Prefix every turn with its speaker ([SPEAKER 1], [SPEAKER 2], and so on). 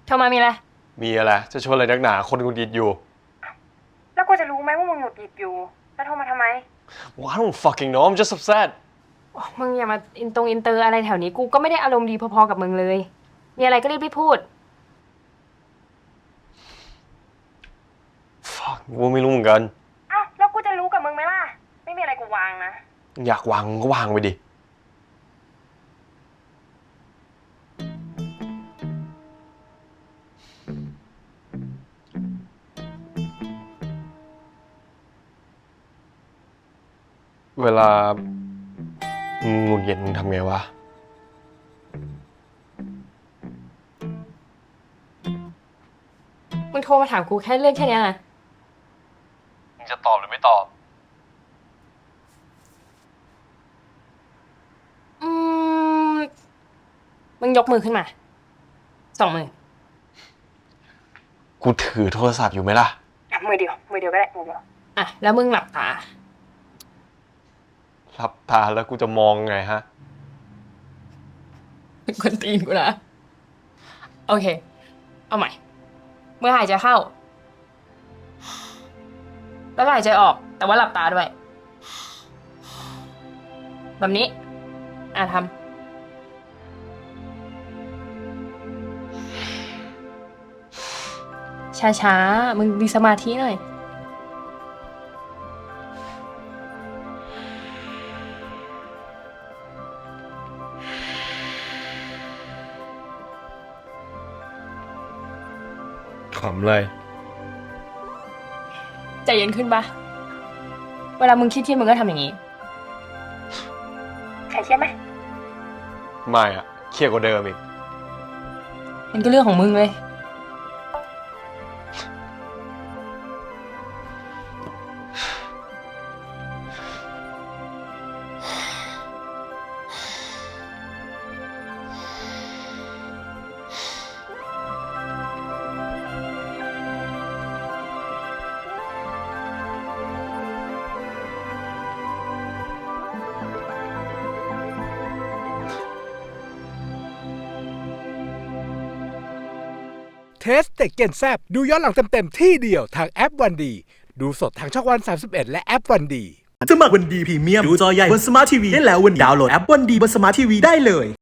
[SPEAKER 1] โทรมามีอะไร
[SPEAKER 2] มีอะไรจะชวนอะไรนักหนาคนหงุดหงิดอยู่
[SPEAKER 1] แล้วกูจะรู้ไหมว่ามึงหงุดหงิดอยู่แล้วโทรมาทำไม
[SPEAKER 2] Well I don't fucking know I'm just upset
[SPEAKER 1] มึงอย่ามาอินเตอร์อะไรแถวนี้กูก็ไม่ได้อารมณ์ดีพอๆกับมึงเลยมีอะไรก็รีบพูด
[SPEAKER 2] Fuck กูไม่รู้เหมือนกัน
[SPEAKER 1] อ้าวแล้วกูจะรู้กับมึงไหมล่ะไม่มีอะไรกูวางนะ
[SPEAKER 2] อยากวางก็วางไปดิเวลามึงหงุดหงิดมึงทำไงวะ
[SPEAKER 1] มึงโทรมาถามกูแค่เรื่องแค่นี้นะ
[SPEAKER 2] มึงจะตอบหรือไม่ตอบ
[SPEAKER 1] มึงยกมือขึ้นมา2 มือ
[SPEAKER 2] กูถือโทรศัพท์อยู่ไหมล่ะ
[SPEAKER 1] มือเดียวก็ได้มือเดียวอ่ะแล้วมึงหลับตา
[SPEAKER 2] หลับตาแล้วกูจะมองไงฮะ
[SPEAKER 1] เป็นคนตีนกูนะโอเคเอาใหม่เมื่อหายใจเข้าแล้วก็หายใจออกแต่ว่าหลับตาด้วยแบบนี้ทำช้าๆมึงมีสมาธิหน่อย
[SPEAKER 2] ขำเลย
[SPEAKER 1] ใจเย็นขึ้นปะเวลามึงคิดมึงก็ทำอย่างนี้ใครเครียดไหม
[SPEAKER 2] ไม่อะเครียดกว่าเดิมอีก
[SPEAKER 1] มันก็เรื่องของมึงเลย
[SPEAKER 3] เทสเต็กเกนแซบดูย้อนหลังเต็มๆที่เดียวทางแอปวันดีดูสดทางช่องวัน31และแอปวันดี
[SPEAKER 4] สมัครวันดีพรีเมียมดูจอใหญ่บนสมาร์ททีวีได้แล้ววันนี้ดาวน์โหลดแอปวันดีบนสมาร์ททีวีได้เลย